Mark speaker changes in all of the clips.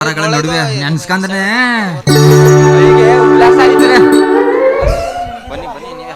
Speaker 1: ನಡುವೆ ನೆನ್ಸ್ಕಂದ್ರೆ
Speaker 2: ಉಲ್ಲಾಸ ಆಗಿದ್ದಾರೆ. ಬನ್ನಿ ಬನ್ನಿ ನೀವೇ.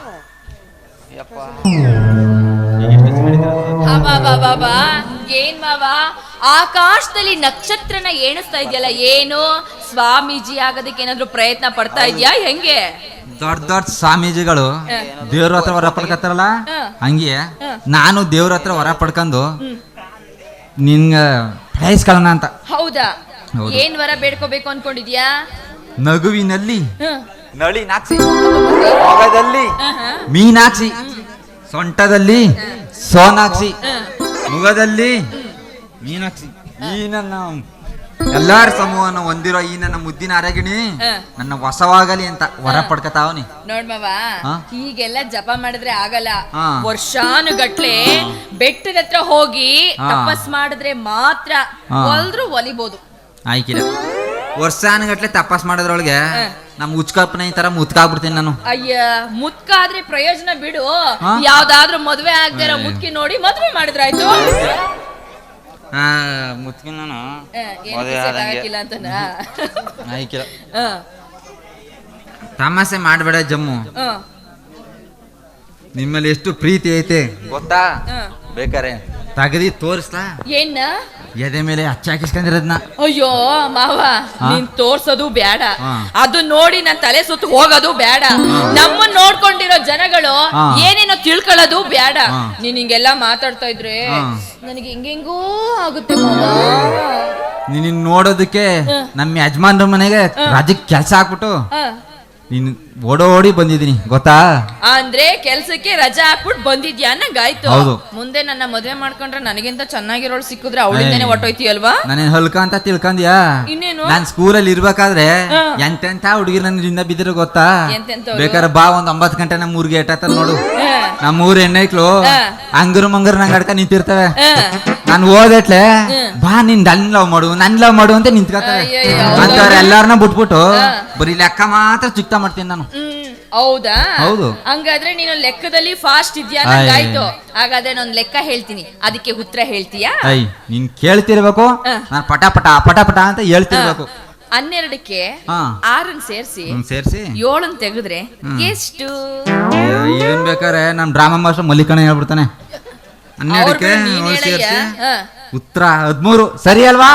Speaker 3: ಏನ್ ಮಾವ ಆಕಾಶದಲ್ಲಿ ನಕ್ಷತ್ರನ ಎಣಿಸ್ತಾ ಇದೆಯಲ್ಲ, ಏನು ಸ್ವಾಮೀಜಿ ಆಗೋದಕ್ಕೆ ಏನಾದ್ರು ಪ್ರಯತ್ನ ಪಡ್ತಾ ಇದ್ಯಾ ಹೆಂಗೆ?
Speaker 1: ದೊಡ್ಡ ದೊಡ್ಡ ಸ್ವಾಮೀಜಿಗಳು ದೇವ್ರ ಹತ್ರ ವರ ಪಡ್ಕತ್ತಾರಲ್ಲ, ಹಂಗೆ ನಾನು ದೇವ್ರ ಹತ್ರ ವರ ಪಡ್ಕೊಂಡು ನಿನ್ಗ ಪ್ರಯಸ್ಕೊಳ್ಳೋಣ ಅಂತ.
Speaker 3: ಹೌದಾ? ಏನ್ ವರ ಬೇಡ್ಕೋಬೇಕು ಅನ್ಕೊಂಡಿದ್ಯಾ?
Speaker 1: ನಗುವಿನಲ್ಲಿ
Speaker 2: ನಳಿ ನಾಕ್ಸಿ, ಮೊಗದಲ್ಲಿ
Speaker 1: ಮೀನಾಕ್ಷಿ, ಸೊಂಟದಲ್ಲಿ ಸೋನಾಕ್ಷಿ, ಮುಖದಲ್ಲಿ ಮೀನಾಕ್ಷಿ, ಈ ನನ್ನ ಎಲ್ಲಾರ ಸಮೂಹನ ಹೊಂದಿರೋ ಈ ನನ್ನ ಮುದ್ದಿನ ಅರಗಿಣಿ ನನ್ನ ವಶವಾಗಲಿ ಅಂತ ವರ ಪಡ್ಕತಾವನಿ.
Speaker 3: ನೋಡ್ಮವ, ಹೀಗೆಲ್ಲ ಜಪ ಮಾಡಿದ್ರೆ ಆಗಲ್ಲ. ವರ್ಷಾನುಗಟ್ಲೆ ಬೆಟ್ಟದ ಹತ್ರ ಹೋಗಿ ತಪಸ್ ಮಾಡಿದ್ರೆ ಮಾತ್ರ ಒಲ್ದ್ರು ಒಲಿಬಹುದು.
Speaker 1: ಆಯ್ಕಿಲ್ಲ, ವರ್ಷಾನುಗಟ್ಲೆ ತಪಸ್ ಮಾಡೋದ್ರೊಳಗೆ ನಮ್ ಉಚ್ಕಪ್ಪನ ಈ ತರ ಮುತ್ಕಾಗ್ಬಿಡ್ತೀನಿ ನಾನು.
Speaker 3: ಅಯ್ಯ, ಮುತ್ಕಾದ್ರೆ ಪ್ರಯೋಜನ ಬಿಡು. ಯಾವ್ದಾದ್ರು ಮದ್ವೆ ಆಗದೆ ಇರೋ ಮುತ್ಕಿ ನೋಡಿ ಮದ್ವೆ ಮಾಡಿದ್ರಾಯ್ತು.
Speaker 1: ಮುತ್ಕಿ ನಾನು
Speaker 3: ಆಗಿಲ್ಲ ಅಂತನ.
Speaker 1: ಆಯ್ಕಿಲ್ಲ, ತಮಾಷೆ ಮಾಡ್ಬೇಡ ಜಮ್ಮು. ನಿಮ್ಮಲ್ಲಿ ಎಷ್ಟು ಪ್ರೀತಿ ಐತೆ
Speaker 2: ಗೊತ್ತಾ? ಬೇಕಾರೆ
Speaker 1: ತಗದಿ ತೋರಿಸ್ಲಾ?
Speaker 3: ಏನ
Speaker 1: ಎದೆ ಮೇಲೆ ಹಚ್ಚಾಕಿಸ್ಕೊಂಡಿರೋದ್ನ.
Speaker 3: ಅಯ್ಯೋ ಮಾವ, ನೀನ್ ತೋರ್ಸೋದು ಬೇಡ, ಅದು ನೋಡಿ ನನ್ ತಲೆ ಸುತ್ತ ಹೋಗೋದು ಬೇಡ. ನಮ್ಮನ್ನ ನೋಡ್ಕೊಂಡಿರೋ ಜನಗಳು ಏನೇನೋ ತಿಳ್ಕೊಳ್ಳೋದು ಬೇಡ. ನೀನ್ ಹಿಂಗೆಲ್ಲಾ ಮಾತಾಡ್ತಾ ಇದ್ರೆ ನನಗೆ ಹಿಂಗೆಂಗೋ ಆಗುತ್ತೆ ಮಾವ.
Speaker 1: ನೀನ್ ನೋಡೋದಕ್ಕೆ ನಮ್ಮ ಯಜಮಾನ್ರ ಮನೆಗೆ ರಾಜ್ಯಕ್ಕೆ ಕೆಲ್ಸ ಹಾಕ್ಬಿಟ್ಟು ನೀನು ಓಡೋಡಿ ಬಂದಿದ್ದೀನಿ ಗೊತ್ತಾ?
Speaker 3: ಅಂದ್ರೆ ಕೆಲ್ಸಕ್ಕೆ ರಜಾ ಹಾಕ್ಬಿಟ್ಟು ಬಂದಿದ್ಯಾ ಅನ್ನಂಗಾಯ್ತು. ಮುಂದೆ ನನ್ನ ಮದ್ವೆ ಮಾಡ್ಕೊಂಡ್ರೆ ನನಗಿಂತ ಚೆನ್ನಾಗಿರೋಳು ಸಿಕ್ಕಿದ್ರೆ ಅವಳಿಂದನೇ ಹೊಟ್ಟೋಯ್ತೀಯಲ್ವಾ?
Speaker 1: ನಾನೇನ್ ಹಲ್ಕ ಅಂತ ತಿಳ್ಕೊಂಡ್ಯಾ?
Speaker 3: ಇನ್ನೇನು,
Speaker 1: ನಾನ್ ಸ್ಕೂಲಲ್ಲಿ ಇರ್ಬೇಕಾದ್ರೆ ಎಂತೆಂತ ಹುಡುಗಿರ್ ನನ್ನ ಬಿದ್ದಿರೋ ಗೊತ್ತಾ? ಬೇಕಾದ್ರೆ ಬಾ, ಒಂದ್ 9 ಗಂಟೆ ನಮ್ಮ ಊರಿಗೆ ಏಟಾತ ನೋಡು. ನಮ್ಮೂರ್ ಹೆಣ್ಣೈಕ್ಳು ಅಂಗರು ಮಂಗರು ನಂಗೆ ಅಡ್ಕ ನಿಂತಿರ್ತವೆ. ನಾನು ಓದಟ್ಲೆ ಬಾ ನಿನ್ ನನ್ ಲವ್ ಮಾಡು ಅಂತ ನಿಂತ್ಕೊತವೆ. ಅಂತವ್ರ ಎಲ್ಲಾರನ್ನ ಬಿಟ್ಬಿಟ್ಟು ಬರೀ ಲೆಕ್ಕ ಮಾತ್ರ ಚುಕ್ತ ಮಾಡ್ತೀನಿ ನಾನು.
Speaker 3: ಹೌದಾ?
Speaker 1: ಹೌದು.
Speaker 3: ಹಂಗಾದ್ರೆ ನೀನು ಲೆಕ್ಕದಲ್ಲಿ ಫಾಸ್ಟ್ ಇದ್ಯಾ ಆಯ್ತು. ಹಾಗಾದ್ರೆ ನಾನು ಲೆಕ್ಕ ಹೇಳ್ತೀನಿ, ಅದಕ್ಕೆ ಉತ್ತರ ಹೇಳ್ತೀಯಾ?
Speaker 1: ನೀನ್ ಕೇಳ್ತಿರ್ಬೇಕು, ನಾನು ಪಟ ಪಟ ಪಟ ಪಟ ಅಂತ ಹೇಳ್ತಿರ್ಬೇಕು.
Speaker 3: 12ಕ್ಕೆ 6 ಸೇರ್ಸಿ 7 ತೆಗೆದ್ರೆ ಎಷ್ಟು?
Speaker 1: ಏನ್ ಬೇಕಾರೆ ನಮ್ ಡ್ರಾಮಾ ಮಾಸ್ಟರ್ ಮಲ್ಲಿಕಣ್ಣ ಹೇಳ್ಬಿಡ್ತಾನೆ. 12ಕ್ಕೆ 7 ಸೇರ್ಸಿ ಉತ್ತರ 13 ಸರಿ ಅಲ್ವಾ?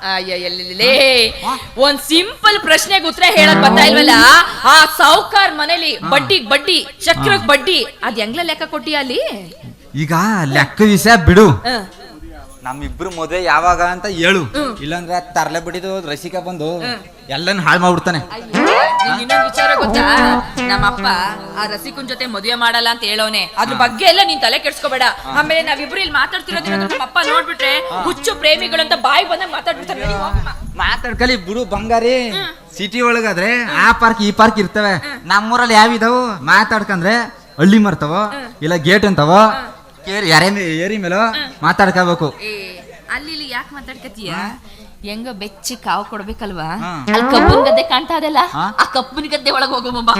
Speaker 3: ಒಂದ್ ಸಿಂಪಲ್ ಪ್ರಶ್ನೆಗೆ ಉತ್ತರ ಹೇಳಕ್ ಬರ್ತಾ ಇಲ್ವಲ್ಲ. ಆ ಸಾವ್ಕಾರ್ ಮನೇಲಿ ಬಡ್ಡಿ ಚಕ್ರಕ್ ಬಡ್ಡಿ ಅದ್ ಹೆಂಗ್ಲ ಲೆಕ್ಕ ಕೊಟ್ಟಿಯ ಅಲ್ಲಿ?
Speaker 1: ಈಗ ಲೆಕ್ಕ ವಿಷಯ ಬಿಡು,
Speaker 2: ನಮ್ಮಿಬ್ರು ಮದುವೆ ಯಾವಾಗ ಅಂತ ಹೇಳು.
Speaker 1: ಇಲ್ಲಾಂದ್ರೆ ತರ್ಲೆ ಬಿಡಿದು ರಸಿಕ ಬಂದು ಎಲ್ಲಾನು ಹಾಳು ಮಾಡ್ಬಿಡ್ತಾನೆ.
Speaker 3: ಇನ್ನೊಂದು ವಿಚಾರ ಗೊತ್ತಾ? ನಮ್ಮಪ್ಪ ಆ ರಸಿಕನ್ ಜೊತೆ ಮದುವೆ ಮಾಡಲ್ಲ ಅಂತ ಹೇಳೋನೆ. ಅದ್ರ ಬಗ್ಗೆ ಎಲ್ಲ ನೀನ್ ತಲೆ ಕೆಡ್ಸ್ಕೋಬೇಡ. ಆಮೇಲೆ ನಾವಿಬ್ರು ಇಲ್ಲಿ ಮಾತಾಡ್ತಿರೋದ್ರಿಂದ ನಮ್ಮಪ್ಪ ನೋಡ್ಬಿಟ್ರೆ ಹುಚ್ಚು ಪ್ರೇಮಿಗಳು ಅಂತ ಬಾಯಿ ಬಂದಾಗ ಮಾತಾಡ್ಬಿಡ್ತಾರೆ.
Speaker 1: ಮಾತಾಡ್ಕಲಿ ಬಿಡು ಬಂಗಾರಿ. ಸಿಟಿ ಒಳಗಾದ್ರೆ ಆ ಪಾರ್ಕ್ ಈ ಪಾರ್ಕ್ ಇರ್ತವೆ. ನಮ್ಮೂರಲ್ಲಿ ಯಾವಿದಾವು ಮಾತಾಡ್ಕಂದ್ರೆ ಹಳ್ಳಿ ಮರ್ತವ ಇಲ್ಲ ಗೇಟ್ ಅಂತವ ಏರಿ ಮೇಲೋ ಮಾತಾಡ್ಕೋಬೇಕು.
Speaker 3: ಅಲ್ಲಿ ಯಾಕೆ ಮಾತಾಡ್ಕತೀಯ? ಹೆಂಗ ಬೆಚ್ಚಿ ಕಾವು ಕೊಡ್ಬೇಕಲ್ವಾ? ಅಲ್ಲಿ ಕಬ್ಬನ್ ಗದ್ದೆ ಕಾಣ್ತಾ ಅದಲ್ಲ, ಆ ಕಬ್ಬನ್ ಗದ್ದೆ ಒಳಗೆ ಹೋಗೋ ಮೊಬ್ಬ.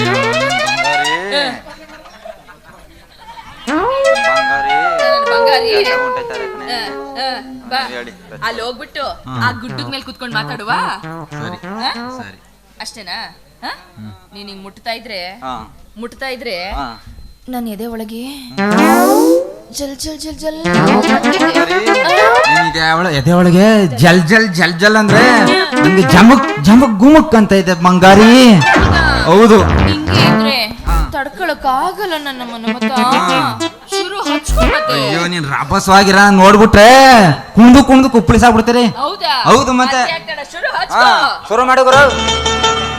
Speaker 3: ಬಂಗಾರಿ ಅಲ್ಲಿ ಹೋಗ್ಬಿಟ್ಟು ಆ ಗುಡ್ಡದ ಮೇಲೆ ಕುತ್ಕೊಂಡ್ ಮಾತಾಡುವ. ಅಷ್ಟೇನಾ? ನೀನ್ ಹಿಂಗ್ ಮುಟ್ತಾ ಇದ್ರೆ ನನ್ನ ಎದೆ ಒಳಗೆ ಜಲ್ ಜಲ್ ಜಲ್ ಜಲ್
Speaker 1: ಎದೆ ಒಳಗೆ ಜಲ್ ಜಲ್ ಜಲ್ ಜಲ್ ಅಂದ್ರೆ ನಂಗೆ ಜಮಕ್ ಜಮಕ್ ಗುಮಕ್ ಅಂತ ಇದೆ ಬಂಗಾರಿ. ಹೌದು,
Speaker 3: ಹಿಂಗೆ ಇದ್ರೆ ತಡ್ಕೊಳಕ್ ಆಗಲ್ಲ ನನ್ನ ಮನಮತ. ಶುರು ಹಚ್ಕೊಂಡ್ಬತ್ತೆ.
Speaker 1: ಅಯ್ಯೋ, ನೀನ್ ರಭಸವಾಗಿರ ನೋಡ್ಬಿಟ್ರೆ ಕುಂದು ಕುಂದು ಕುಪ್ಪಳಿಸಾಗ್ಬಿಡ್ತೀರಿ.
Speaker 3: ಹೌದಾ?
Speaker 1: ಹೌದು, ಮತ್ತೆ
Speaker 3: ಶುರು ಹಚ್ಕೋ.
Speaker 2: ಶುರು ಮಾಡು ಗುರು.